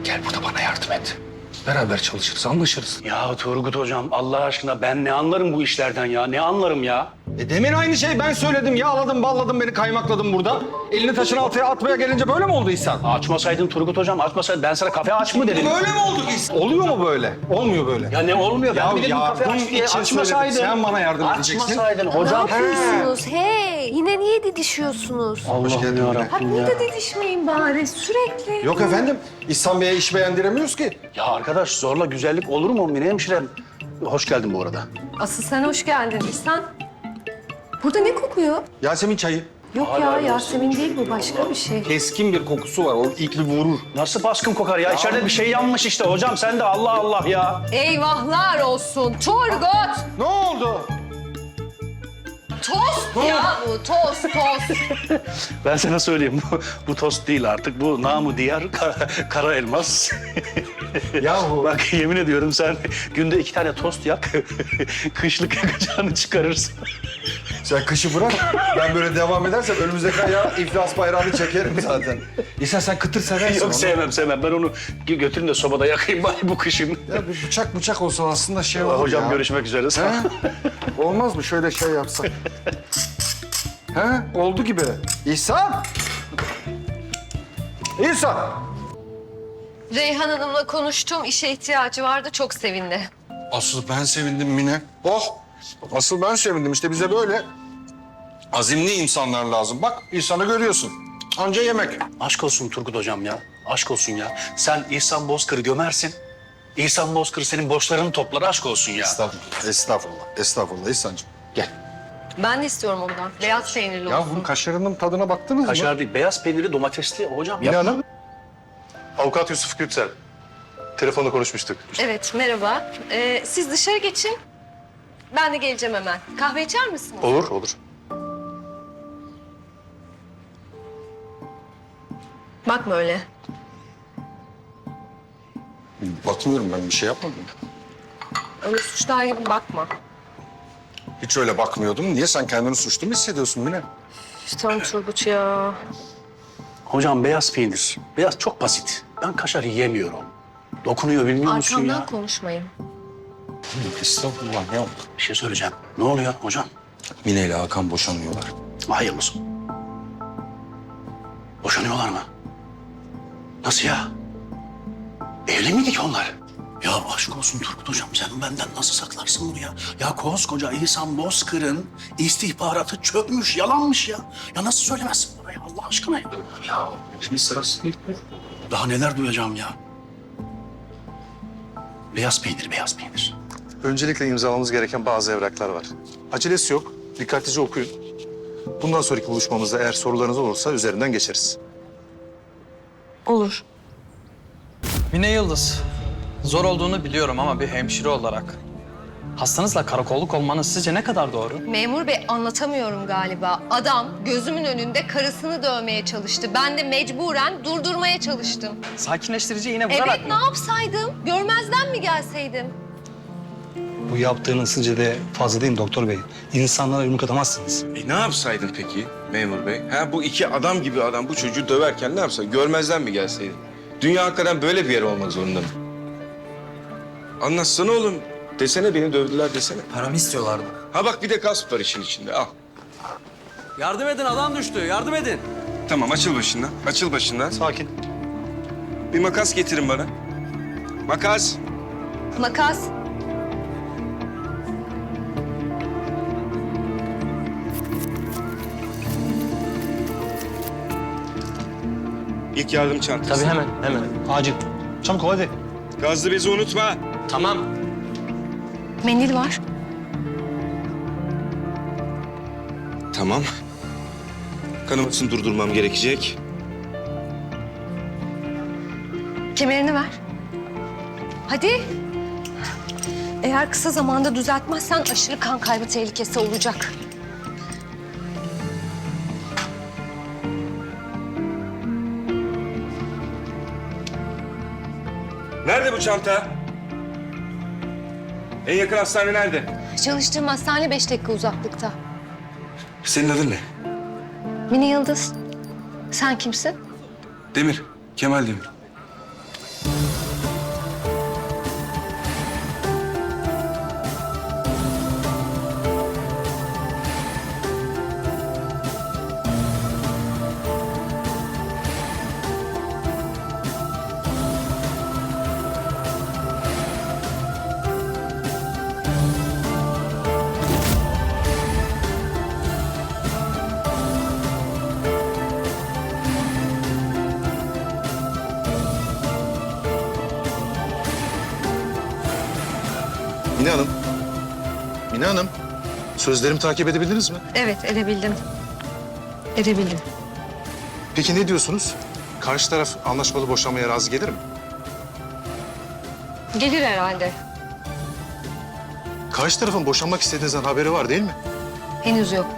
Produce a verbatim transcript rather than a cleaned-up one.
Gel burada bana yardım et. Beraber çalışırız, anlaşırız. Ya Turgut hocam Allah aşkına ben ne anlarım bu işlerden ya? Ne anlarım ya? E demin aynı şey ben söyledim. Yağladın, balladın beni, kaymakladın burada. Elini taşın altına atmaya gelince böyle mi oldu İhsan? Açmasaydın Turgut hocam açmasaydın. Ben sana kafe aç mı dedim? Böyle mi oldu İhsan? Oluyor mu böyle? Olmuyor böyle. Ya ne olmuyor? Ben Ya bir dedim kafe yardım aç diye için açmasaydın. söyledim. Sen bana yardım edeceksin. Açmasaydın Ne hocam. yapıyorsunuz? Hey, yine niye didişiyorsunuz? Allah'ım geldin yarabbim Ha ya. burada didişmeyin bari sürekli. Yok efendim. İhsan Bey'e iş beğendiremiyoruz ki. Ya arkadaş zorla güzellik olur mu Mine hemşirem? Hoş geldin bu arada. Asıl sen hoş geldin İhsan. Burada ne kokuyor? Yasemin çayı. Yok Hala ya arıyorsun. Yasemin değil bu başka bir şey. Keskin bir kokusu var. O ilk bir vurur. Nasıl baskın kokar ya? İçeride bir şey yanmış işte hocam. Sen de Allah Allah ya. Eyvahlar olsun Turgut. Ne oldu? Tost ya bu tost tost. Ben sana söyleyeyim. Bu, bu tost değil artık. Bu namı diğer kara, kara elmas. Yahu. Bak yemin ediyorum sen günde iki tane tost yak. Kışlık yakacağını çıkarırsın. Sen kışı bırak. Ben böyle devam edersem önümüzdeki ayağa iflas bayrağını çekerim zaten. İhsan sen kıtır seversin Yok onu. sevmem sevmem. Ben onu götürün de sobada yakayım bari bu kışın. Ya bir bıçak bıçak olsa aslında şey olur Hocam ya. görüşmek üzere. Sağ ol. He? Olmaz mı şöyle şey yapsak? He? Oldu gibi. İhsan! İhsan! Reyhan Hanım'la konuştum. İşe ihtiyacı vardı. Çok sevindi. Asıl ben sevindim Mine. Oh! Asıl ben sevindim. İşte bize böyle azimli insanlar lazım. Bak İhsan'ı görüyorsun. Anca yemek. Aşk olsun Turgut hocam ya. Aşk olsun ya. Sen İhsan Bozkır'ı gömersin. İhsan Bozkır senin borçlarını toplar. Aşk olsun ya. Estağfurullah, estağfurullah, estağfurullah İhsan'cığım. Gel. Ben de istiyorum ondan. Beyaz peynirli Ya olsun. bunun kaşarının tadına baktınız mı? Kaşar değil, beyaz peynirli domatesli hocam. Mine Hanım. Avukat Yusuf Gürtsel. Telefonda konuşmuştuk. Evet merhaba. Ee, siz dışarı geçin. Ben de geleceğim hemen. Kahve içer misiniz? Olur, olur. Bakma öyle. Bakmıyorum ben bir şey yapmadım. Öyle suçlar gibi bakma. Hiç öyle bakmıyordum. Niye sen kendini suçlu mu hissediyorsun Mine? Tamam Turgut ya. Hocam beyaz peynir. Beyaz çok basit. Ben kaşar yiyemiyorum. Dokunuyor bilmiyor musun Arkamdan ya? konuşmayın. Estağfurullah ya. Bir şey söyleyeceğim. Ne oluyor hocam? Mine ile Hakan boşanıyorlar. Hayırlısı. Boşanıyorlar mı? Nasıl ya? Evli miydik onlar? Ya aşk olsun Turgut hocam sen benden nasıl saklarsın bunu ya? Ya koskoca İhsan Bozkır'ın istihbaratı çökmüş, yalanmış ya. Ya nasıl söylemezsin bana ya Allah aşkına ya? Ya şimdi sırası değil. Daha neler duyacağım ya? Beyaz peynir, beyaz peynir. Öncelikle imzalamamız gereken bazı evraklar var. Acelesi yok. Dikkatlice okuyun. Bundan sonraki buluşmamızda eğer sorularınız olursa üzerinden geçeriz. Olur. Mine Yıldız, zor olduğunu biliyorum ama bir hemşire olarak hastanızla karakolluk olmanız sizce ne kadar doğru? Memur bey anlatamıyorum galiba. Adam gözümün önünde karısını dövmeye çalıştı. Ben de mecburen durdurmaya çalıştım. Sakinleştirici iğne vurarak Evet mı? ne yapsaydım? Görmezden mi gelseydim? Bu yaptığınız sizce de fazla değil mi doktor bey? İnsanlara yumruk atamazsınız. E ne yapsaydın peki memur bey? Ha bu iki adam gibi adam bu çocuğu döverken ne yapsa? Görmezden mi gelseydin? Dünya hakikaten böyle bir yer olmak zorunda mı? Anlatsana oğlum. Desene beni dövdüler desene. Paramı istiyorlardı. Ha bak bir de gasp var işin içinde al. Yardım edin, adam düştü. Yardım edin. Tamam açıl başından. Açıl başından. Sakin. Bir makas getirin bana. Makas. Makas. İlk yardım çantası. Tabii hemen, hemen. Acil. Çabuk ol hadi. Gazlı bezi unutma. Tamam. Mendil var. Tamam. Kanamasını durdurmam gerekecek. Kemerini ver. Hadi. Eğer kısa zamanda düzeltmezsen aşırı kan kaybı tehlikesi olacak. Nerede bu çanta? En yakın hastane nerede? Çalıştığım hastane beş dakika uzaklıkta. Senin adın ne? Mine Yıldız. Sen kimsin? Demir. Kemal Demir. Mine Hanım. Mine Hanım. Sözlerimi takip edebildiniz mi? Evet, edebildim. Edebildim. Peki ne diyorsunuz? Karşı taraf anlaşmalı boşanmaya razı gelir mi? Gelir herhalde. Karşı tarafın boşanmak istediğinizden haberi var değil mi? Henüz yok.